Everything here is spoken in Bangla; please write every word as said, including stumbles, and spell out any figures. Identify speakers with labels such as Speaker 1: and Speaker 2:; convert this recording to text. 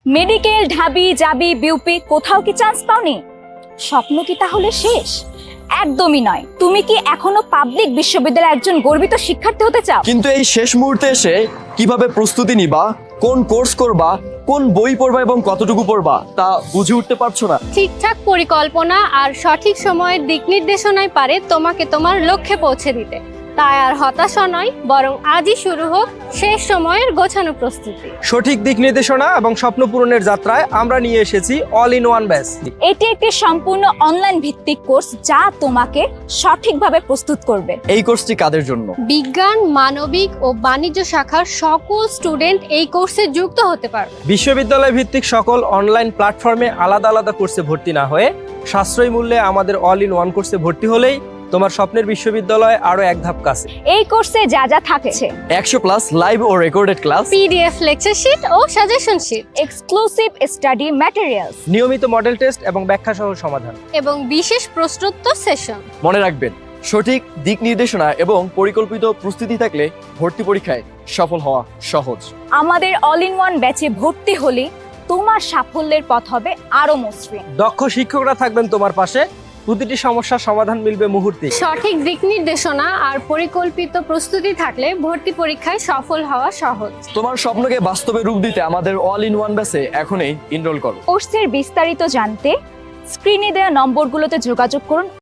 Speaker 1: মেডিকেল, ঢাবি, জাবি, বিউপি কোথাও কি চান্স পাওনি? স্বপ্ন কি তাহলে শেষ? একদমই নয়। তুমি কি এখনো পাবলিক বিশ্ববিদ্যালয়ের একজন গর্বিত শিক্ষার্থী হতে চাও?
Speaker 2: কিন্তু এই শেষ মুহূর্তে এসে কিভাবে প্রস্তুতি নিবা, কোন কোর্স করবা, কোন বই পড়বা এবং কতটুকু পড়বা তা বুঝে উঠতে পারছো না?
Speaker 3: ঠিকঠাক পরিকল্পনা আর সঠিক সময়ের দিক নির্দেশনাই পারে তোমাকে তোমার লক্ষ্যে পৌঁছে দিতে। তাই আর হতাশা নয়, বরং আজই শুরু হোক শেষ সময়ের গোছানো প্রস্তুতি।
Speaker 4: সঠিক দিক নির্দেশনা এবং স্বপ্ন পূরণের যাত্রায় আমরা নিয়ে এসেছি অল ইন ওয়ান ব্যাচ।
Speaker 1: এটি একটি সম্পূর্ণ অনলাইন ভিত্তিক কোর্স যা তোমাকে সঠিকভাবে প্রস্তুত করবে।
Speaker 2: এই কোর্সটি কাদের জন্য?
Speaker 3: বিজ্ঞান, মানবিক ও বাণিজ্য শাখার সকল স্টুডেন্ট এই কোর্সে যুক্ত হতে পারবে।
Speaker 4: বিশ্ববিদ্যালয় ভিত্তিক সকল অনলাইন প্ল্যাটফর্মে আলাদা আলাদা কোর্সে ভর্তি না হয়ে সাশ্রয়ী মূল্যে আমাদের অল ইন ওয়ান কোর্সে ভর্তি হলেই তোমার স্বপ্নের বিশ্ববিদ্যালয় আরো এক ধাপ কাছে।
Speaker 1: এই কোর্সে যা যা থাকছে:
Speaker 2: একশো প্লাস লাইভ ও recorded class,
Speaker 3: PDF lecture sheet ও suggestion sheet,
Speaker 1: exclusive study materials,
Speaker 4: নিয়মিত মডেল টেস্ট এবং ব্যাখ্যা সহ সমাধান
Speaker 3: এবং বিশেষ প্রশ্নোত্তর সেশন।
Speaker 2: মনে রাখবেন, সঠিক দিক নির্দেশনা এবং পরিকল্পিত প্রস্তুতি থাকলে ভর্তি পরীক্ষায় সফল হওয়া সহজ।
Speaker 1: আমাদের অল ইন ওয়ান ব্যাচে ভর্তি হলে তোমার সাফল্যের পথ হবে আরো মসৃণ।
Speaker 4: দক্ষ শিক্ষকরা থাকবেন তোমার পাশে, প্রতিটি সমস্যার সমাধান মিলবে মুহূর্তে।
Speaker 3: সঠিক দিক নির্দেশনা আর পরিকল্পিত প্রস্তুতি থাকলে ভর্তি পরীক্ষায় সফল হওয়া সহজ।
Speaker 2: তোমার স্বপ্নকে বাস্তবে রূপ দিতে আমাদের অল ইন ওয়ান ব্যাচে এখনই এনরোল করো।
Speaker 1: কোর্সের বিস্তারিত জানতে স্ক্রিনে দেওয়া নম্বরগুলোতে যোগাযোগ করুন।